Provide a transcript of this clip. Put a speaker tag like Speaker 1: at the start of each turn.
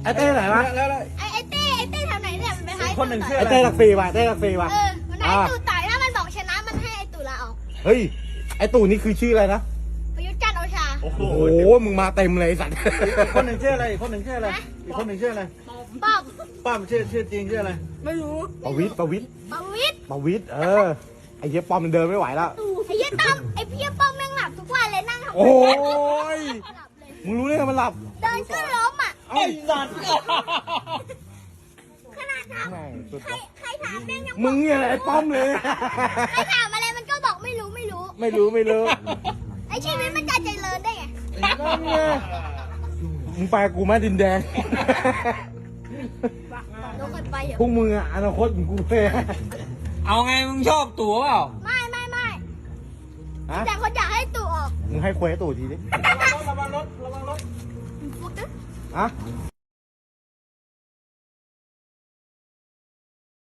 Speaker 1: ไอ้เต้ไหนวะ
Speaker 2: ไอ้เต้ทำไหนเนี่ยมันไปให้
Speaker 3: คนหนึ่งชื่อ
Speaker 1: ไอ้
Speaker 3: อะไร
Speaker 1: เต้หลักสี่ว่ะเต้หลักสี่ว่ะ
Speaker 2: มันให้ตู่ต่อยถ้ามันบอกชนะมันให้ไอ้ตู่ลาออก
Speaker 1: เฮ้ยไอ้ตู่นี่คือชื่ออะไรนะ
Speaker 2: ประยุทธ์จันทร์โอชา
Speaker 3: โอ้โห
Speaker 1: โอ้โหมึงมาเต็มเลยไอ้สัตว์
Speaker 3: คนหนึ่งชื่ออะไรคนหนึ่งชื่ออะไรอีกคนหนึ่งชื่ออะไร
Speaker 2: ป้อม
Speaker 3: ป้ามชื่อจริงชื่ออะไร
Speaker 2: ไม่รู้
Speaker 1: ประวิตรประวิตร
Speaker 2: ประวิตร
Speaker 1: ประวิตรไอ้เหี้ยป้อมมันเดินไม่ไหวแล้ว
Speaker 2: ไอ้เหี้ยต้อมไอ้พี่ป้อมแม่งหลับทุกวันเลยนั่งทำ
Speaker 1: โอ้ย
Speaker 2: หลับเลย
Speaker 1: มึงรู้ได้ไงมันหลับ
Speaker 2: เดินขึ้นล้มอ่ะ
Speaker 3: ไอ้สัตว์
Speaker 2: ขนาดถาม
Speaker 1: แม่งสุด
Speaker 2: ใครถามแม่งยัง
Speaker 1: มึงเนี่ยแหละไอ้ป้อมเลย
Speaker 2: ใครถามอะไรมันก็บอกไม่รู้
Speaker 1: ไม่รู้ไม่รู้
Speaker 2: ไอ้ชีวิตมันจะเจริญได้ไง
Speaker 1: นั่นไงมึงไปกับกูไหมดินแดง
Speaker 2: ลงกันไปเหรอ
Speaker 1: พวกมึงอะอนาคตของกูเลย
Speaker 4: เอาไงมึงชอบตั๋วเปล่า
Speaker 2: ไม่
Speaker 1: ฮะ
Speaker 2: แต่คนอยากให้ตู่ออก
Speaker 1: มึงให้ควยให้ตู่ทีดิ
Speaker 3: ระวังรถระวังรถ
Speaker 2: ฟุกนะ
Speaker 1: ฮะ
Speaker 2: ฟ